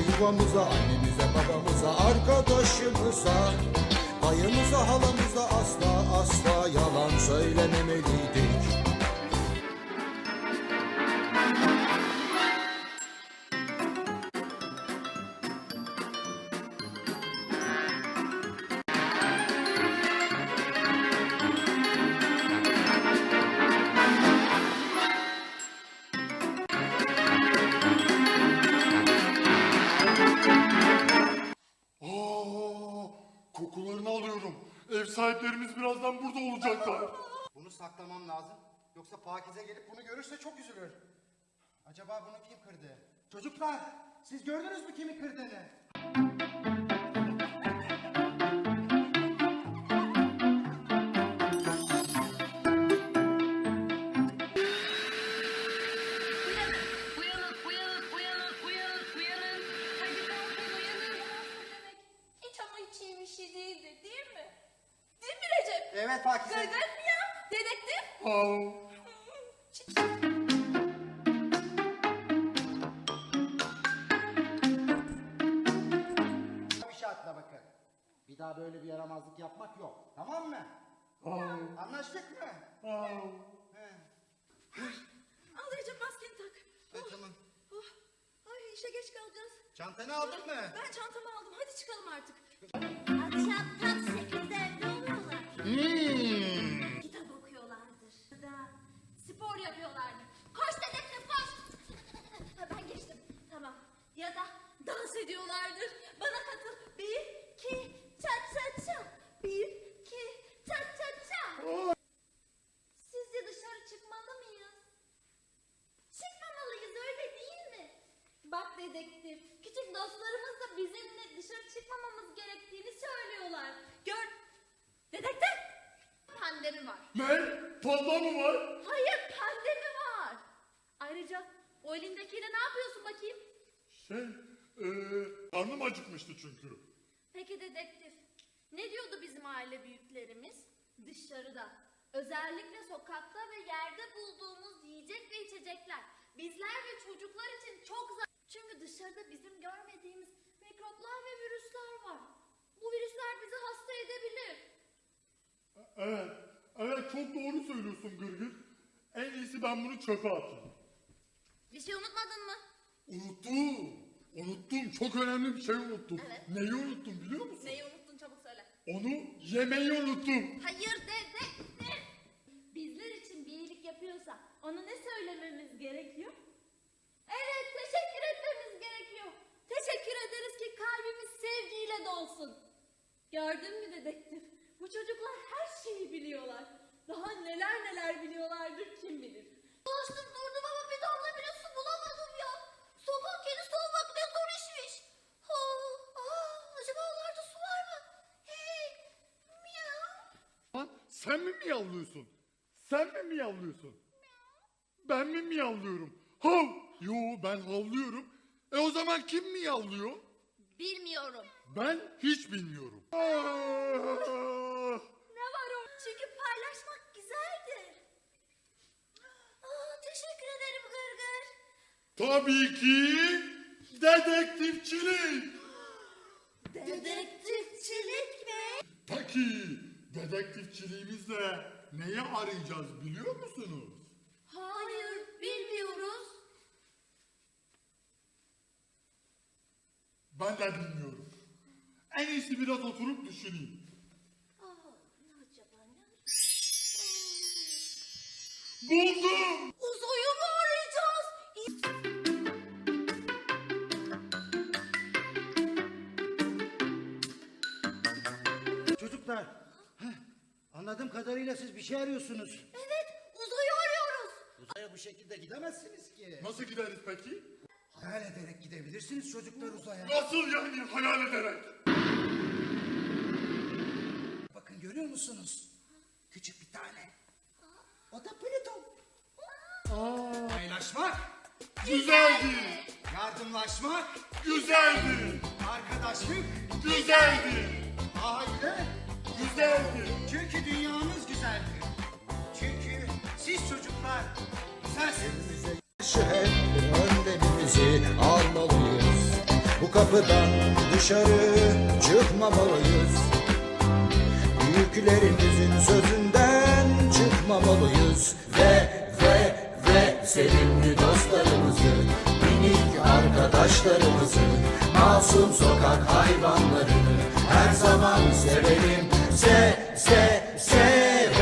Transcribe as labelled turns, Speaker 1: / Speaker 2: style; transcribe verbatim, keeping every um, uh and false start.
Speaker 1: yuvamıza, annemize, babamıza, arkadaşımıza, dayımıza, halamıza asla asla yalan söylememeliydik.
Speaker 2: Kokularını alıyorum. Ev sahiplerimiz birazdan burada olacaklar.
Speaker 3: Bunu saklamam lazım. Yoksa Pakize gelip bunu görürse çok üzülür. Acaba bunu kim kırdı? Çocuklar, siz gördünüz mü kimi kırdığını?
Speaker 4: Uyanın, uyanın, uyanın, uyanın, uyanın. Hadi kalkın, uyanın. Hiç ama hiç iyi bir şey değildir, değil mi? Değil mi Recep?
Speaker 3: Evet Pakize.
Speaker 4: Gırgır mı ya? Dedektif?
Speaker 2: Aa,
Speaker 3: Bir şartla bakın. Bir daha böyle bir yaramazlık yapmak yok. Tamam mı?
Speaker 2: aa,
Speaker 3: Anlaştık mı?
Speaker 2: aa.
Speaker 3: He.
Speaker 4: Al Recep maskeni tak.
Speaker 3: Hadi tamam.
Speaker 4: Oh. Ay işe geç kalacağız.
Speaker 3: Çantanı aldın mı?
Speaker 4: Ben çantamı aldım. Hadi çıkalım artık.
Speaker 5: Akşam tam sekizde evde oluyorlar.
Speaker 3: Hmm.
Speaker 4: Kitap okuyorlardır. Ya da spor yapıyorlardır. Koş dedektif koş. Ha, ben geçtim. Tamam. Ya da dans ediyorlardır. Bana katıl. Bir, iki, ça ça ça. Bir, iki, ça ça ça. Sizce dışarı çıkmalı mıyız? Çıkmamalıyız öyle değil mi? Bak dedektif. Küçük dostlarımız da bizimle dışarı çıkmamamız gerektiğini söylüyorlar. Gör. Dedektif. Pandemi var.
Speaker 2: Ne? Panda mı var?
Speaker 4: Hayır pandemi var. Ayrıca o elindekiyle ne yapıyorsun bakayım?
Speaker 2: Şey, ee, karnım acıkmıştı çünkü.
Speaker 4: Peki dedektif. Ne diyordu bizim aile büyüklerimiz? Dışarıda. Özellikle sokakta ve yerde bulduğumuz yiyecek ve içecekler. Bizler ve çocuklar için çok zar... Çünkü dışarıda bizim görmediğimiz mikroplar ve virüsler var. Bu virüsler bizi hasta edebilir.
Speaker 2: Evet, evet çok doğru söylüyorsun Gırgır. En iyisi ben bunu çöpe atayım.
Speaker 4: Bir şey unutmadın mı?
Speaker 2: Unuttum. Unuttum. Çok önemli bir şey unuttum.
Speaker 4: Evet.
Speaker 2: Neyi unuttum biliyor musun?
Speaker 4: Neyi unuttun çabuk söyle.
Speaker 2: Onu yemeyi unuttum.
Speaker 4: Hayır dedektif. Bizler için bir iyilik yapıyorsa ona ne söylememiz gerekiyor? Evet teşekkür etmemiz gerekiyor. Teşekkür ederiz ki kalbimiz sevgiyle dolsun. Gördün mü dedektif? Bu çocuklar her şeyi biliyorlar. Daha neler neler biliyorlardır kim bilir. Dolaştım durdum ama bir damla bile su bulamadım ya. Sokak kedisi olmak ne zor işmiş. Ha, aa, acaba onlarda su var mı? Hey, miyav.
Speaker 2: Lan sen mi miyavlıyorsun? Sen mi miyavlıyorsun? Ben mi miyavlıyorum? Hav! Yo ben havlıyorum. E o zaman kim miyavlıyor?
Speaker 4: Bilmiyorum.
Speaker 2: Ben hiç bilmiyorum. Ah!
Speaker 4: Ne var o? Çünkü paylaşmak güzeldir. Aa, teşekkür ederim Gırgır.
Speaker 2: Tabii ki dedektifçilik.
Speaker 4: Dedektifçilik mi?
Speaker 2: Peki dedektifçiliğimizle neyi arayacağız biliyor musunuz?
Speaker 4: Hayır, bilmiyoruz.
Speaker 2: Ben de bilmiyorum. En iyisi biraz oturup düşüneyim.
Speaker 4: Aa, ne acaba ne?
Speaker 2: Buldum.
Speaker 4: Uzayı mı arayacağız?
Speaker 3: Çocuklar, heh, anladığım kadarıyla siz bir şey arıyorsunuz.
Speaker 4: Evet, uzayı arıyoruz.
Speaker 3: Uzaya bu şekilde gidemezsiniz ki.
Speaker 2: Nasıl gideriz peki?
Speaker 3: Hayal ederek gidebilirsiniz çocuklar uzaya.
Speaker 2: Nasıl yani hayal ederek?
Speaker 3: Bakın görüyor musunuz? Küçük bir tane. O da Plüton.
Speaker 2: Aa,
Speaker 3: Paylaşmak,
Speaker 2: güzeldi.
Speaker 3: yardımlaşmak,
Speaker 2: Güzeldi.
Speaker 3: arkadaşlık,
Speaker 2: Güzeldi.
Speaker 3: aile.
Speaker 2: Güzeldi.
Speaker 3: Çünkü dünyamız güzeldir. Çünkü siz çocuklar güzelsiniz.
Speaker 1: Şu hep önlemimizi almalıyız. Bu kapıdan dışarı çıkmamalıyız. Büyüklerimizin sözünden çıkmamalıyız. Ve ve ve sevimli dostlarımızı, minik arkadaşlarımızı, masum sokak hayvanlarını her zaman sevelim. Se se sevelim.